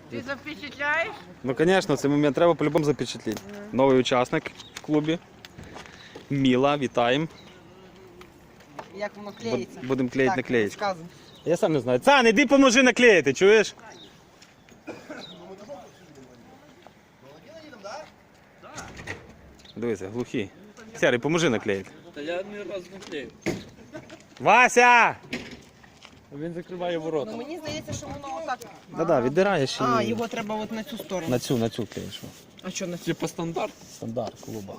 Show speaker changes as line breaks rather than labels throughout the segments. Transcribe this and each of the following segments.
Ти запечатляєш?
Ну, звісно, цей момент треба по-любому запечатліти. Новий учасник в клубі. Міла, вітаємо.
Як воно клеїться?
Будемо клеїти наклеїчку.
розказуй.
Я сам не знаю. Цан, іди поможи наклеїти, чуєш? Дивися, глухий. Сярий, поможи наклеїти.
Та я не раз не клею.
Вася!
Він закриває ворота.
Ну мені здається, що воно отак.
Да-да, віддираєш і
А, його треба от на цю сторону.
на цю клеїш.
А що на цю?
Типа стандарт.
Стандарт клуба.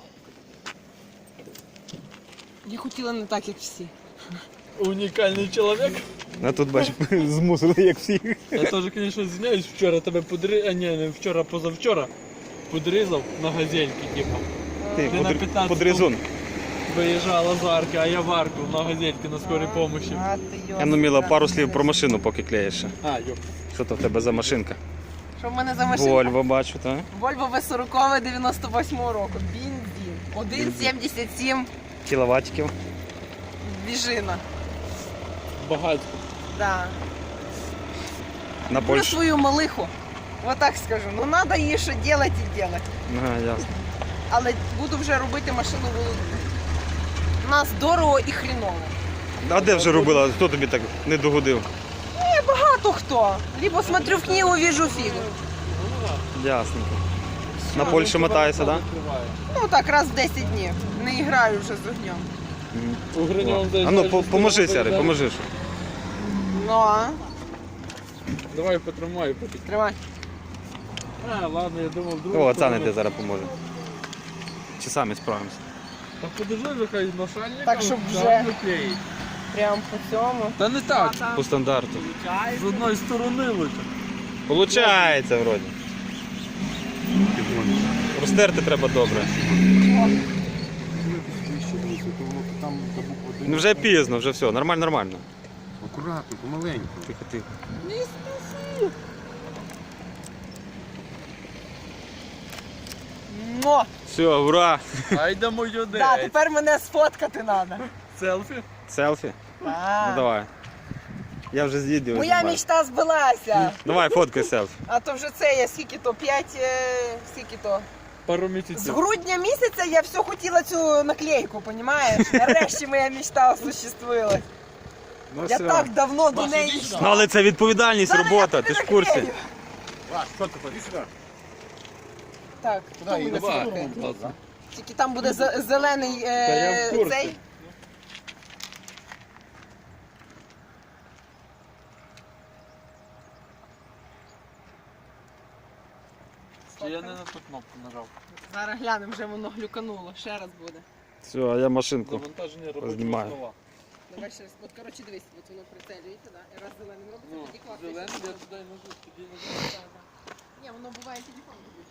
Я хотіла не так, як всі.
Унікальний чоловік.
А тут, бачиш, змусили, як всіх.
Я теж, звісно, звиняюсь, вчора тебе подрізав, а ні, не вчора, позавчора подрізав на газельки, типу.
Ти
Ти на 15
подрізун.
Виїжджала з арки, а я в арку на газельки на скорій помощі.
А, ти
Я ну, Міла, пару слів про машину, поки клеїш. ще.
А, йоп.
Що то в тебе за машинка?
Що в мене за машина?
Вольво, бачу, так?
Volvo V40 98 року. Бензин. 1,77
Кіловатиків.
двіжина.
Багатько.
Да.
На
Про
Польщу.
свою малиху. Вот так скажу. Ну треба її що робити і робити.
Ага, ясно.
Але буду вже робити машину володну. У нас дорого і хріново.
А де вже робила? Хто тобі так не догодив?
Багато хто. Либо смотрю в книгу, вижу фігу.
Ясненько. На Польщу мотаєшся, так?
Ну так, раз в 10 днів. Не граю вже з огнем.
У Гриньовому
А ну, поможи, Сярий, поможи. що.
Ну а?
Давай потримаю поки.
Тримай.
А, ладно, я думав, другу.
О, Цан іде зараз поможе. Чи самі справимося?
Та подержи, нехай нашальник.
Так, щоб вже-
клеїть.
Прям по цьому.
Та не так.
По стандарту.
З одної сторони лучше.
Получається вроді. Розтерти треба добре. Ну вже пізно, вже все, нормально.
Акуратно, помаленьку.
Тихо.
Но!
Все, ура!
Айда моє
Да, тепер мене сфоткати треба.
Селфі.
Селфі? Ну давай. Я вже з відео
Моя
знімаю.
мечта збилася.
Давай, фоткай селфі.
А то вже це я скільки то, 5, скільки то.
Пару
З
місяців.
грудня місяця я все хотіла цю наклейку, понімаєш? Нарешті моя мечта осуществилась.
Ну,
Я
все.
так давно до неї йшла.
Ну але це відповідальність,
Зараз
робота,
я
ти
тобі
ж в курсі.
наклею.
Що ти, ходи сюди.
Так, хто
її
буде
Давай.
сфоткати? Тільки там буде зелений
я в курсі.
цей.
Чи я не на ту кнопку нажав?
Зараз глянемо, вже воно глюкануло. Ще раз буде.
Все, а я машинку.
Завантаження робочого
Знімаю.
стола.
Давай ще раз. От, коротше, дивись, от воно прицелюється, да? І раз зеленим робиться,
Ну,
тоді класно.
зелений, я туди нажу, тоді нажу.
Ні, воно буває телефон робить.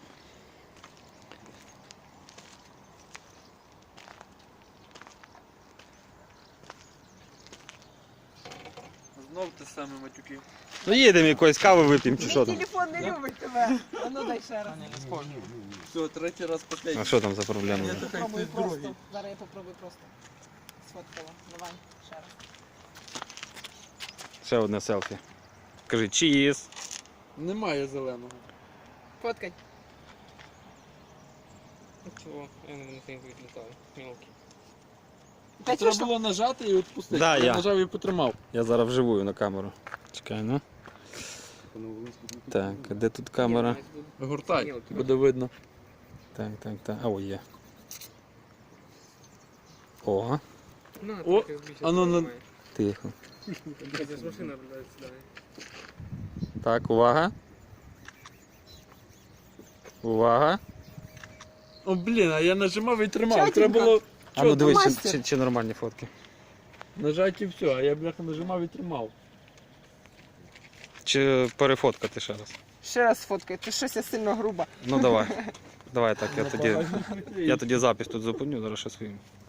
Знов те саме матюки.
Ну їдемо якоїсь кави вип'ємо чи що
Мій
там.
телефон не любить тебе. А ну дай ще раз.
Не схоже. Все, третій раз последній.
А що там за проблема?
Ні,
вже?
то хай
Попробуй
хтось другий.
просто. Зараз я попробую просто. Сфоткала. Давай, ще раз.
Ще одне селфі. Кажи, чиїз.
Немає зеленого.
Фоткай.
Чого? Я не відлітаю. Мілки.
Та
Треба
що?
було нажати і відпустити.
Да, я.
нажав і потримав.
Я зараз вживую на камеру. Чекай, ну. Так, а де тут камера?
Гуртай, буде видно.
Так. А, ой, є. О,
Ну,
О, а ну, ну.
тихо.
Це ж машина блядь, сюди.
Так, увага. Увага.
О, блін, а я нажимав і тримав.
Чотенько.
Треба було
А ну дивись,
мастер.
чи нормальні фотки.
нажати і все, а я бляха нажимав і тримав.
Чи перефоткати ще раз.
Ще раз фоткай, ти щось я сильно груба.
Ну давай. Давай так, я тоді запис тут зупиню, зараз ще своїм.